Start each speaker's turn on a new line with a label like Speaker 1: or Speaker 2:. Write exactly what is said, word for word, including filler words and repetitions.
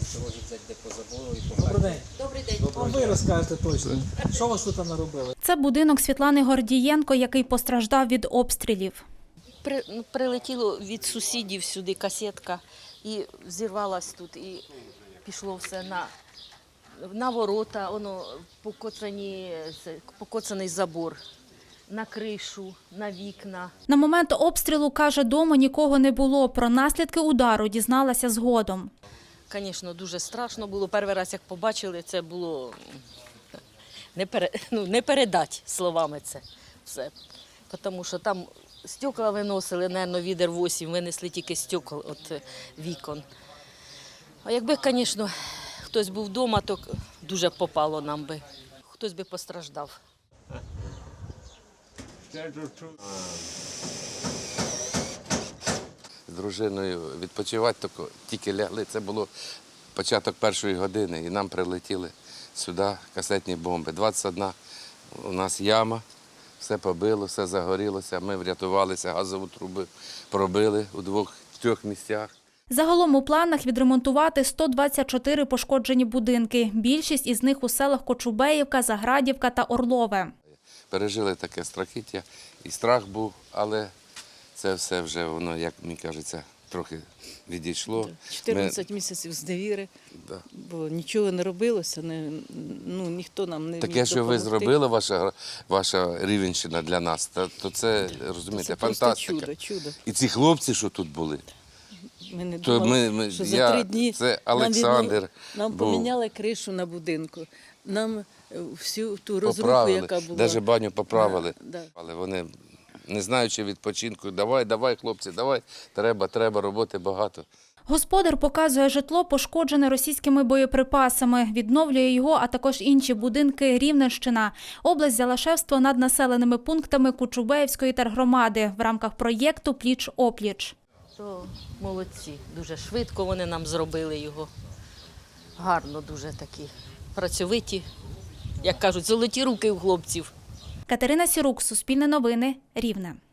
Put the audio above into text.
Speaker 1: Розіться де по забору і по
Speaker 2: Добрий день.
Speaker 3: Добрий день.
Speaker 2: А ви розкажете точно. Що у вас тут наробили?
Speaker 4: Це будинок Світлани Гордієнко, який постраждав від обстрілів.
Speaker 3: При, ну, прилетіло від сусідів сюди касетка і взірвалась тут, і пішло все на, на ворота, воно покоцані, це, покоцаний забор, на кришу, на вікна.
Speaker 4: На момент обстрілу, каже, дому нікого не було. Про наслідки удару дізналася згодом.
Speaker 3: Звісно, дуже страшно було. Перший раз, як побачили, це було не, пере, ну, не передати словами це все. Тому що там стекла виносили, мабуть, відер вісім, винесли тільки стекол від вікон. А якби, звісно, хтось був вдома, то дуже попало нам би. Хтось би постраждав.
Speaker 5: З дружиною відпочивати тільки лягли. Це було початок першої години, і нам прилетіли сюди касетні бомби. двадцять одна у нас яма, все побило, все загорілося. Ми врятувалися, газову трубу пробили у двох-трьох місцях.
Speaker 4: Загалом у планах відремонтувати сто двадцять чотири пошкоджені будинки. Більшість із них у селах Кочубеївка, Заградівка та Орлове.
Speaker 5: Пережили таке страхіття, і страх був, але це все вже, воно, як мені кажеться, трохи відійшло.
Speaker 6: чотирнадцять Ми... місяців з невіри,
Speaker 5: да.
Speaker 6: бо нічого не робилося, не, ну, ніхто нам не
Speaker 5: Таке,
Speaker 6: міг
Speaker 5: що
Speaker 6: допомогти.
Speaker 5: ви зробили, ваша, ваша Рівненщина для нас, то, то це, розумієте,
Speaker 6: Це просто
Speaker 5: фантастика.
Speaker 6: чудо, чудо.
Speaker 5: І ці хлопці, що тут були,
Speaker 6: Ми не
Speaker 5: то
Speaker 6: думали,
Speaker 5: ми, ми,
Speaker 6: що
Speaker 5: я,
Speaker 6: за три дні
Speaker 5: це
Speaker 6: нам,
Speaker 5: Олександр
Speaker 6: віднов... нам
Speaker 5: був.
Speaker 6: поміняли кришу на будинку, нам всю ту розруху,
Speaker 5: Поправили,
Speaker 6: яка була.
Speaker 5: навіть баню поправили.
Speaker 6: Да, да.
Speaker 5: Але вони, не знаючи відпочинку, давай, давай, хлопці, давай, треба, треба, роботи багато.
Speaker 4: Господар показує житло, пошкоджене російськими боєприпасами. Відновлює його, а також інші будинки Рівненщина. Область взяла шефство над населеними пунктами Кочубеївської тергромади в рамках проєкту «Пліч-опліч».
Speaker 3: То молодці, дуже швидко вони нам зробили його. Гарно дуже такі, працьовиті, як кажуть, золоті руки у хлопців.
Speaker 4: Катерина Сірук, Суспільне новини, Рівне.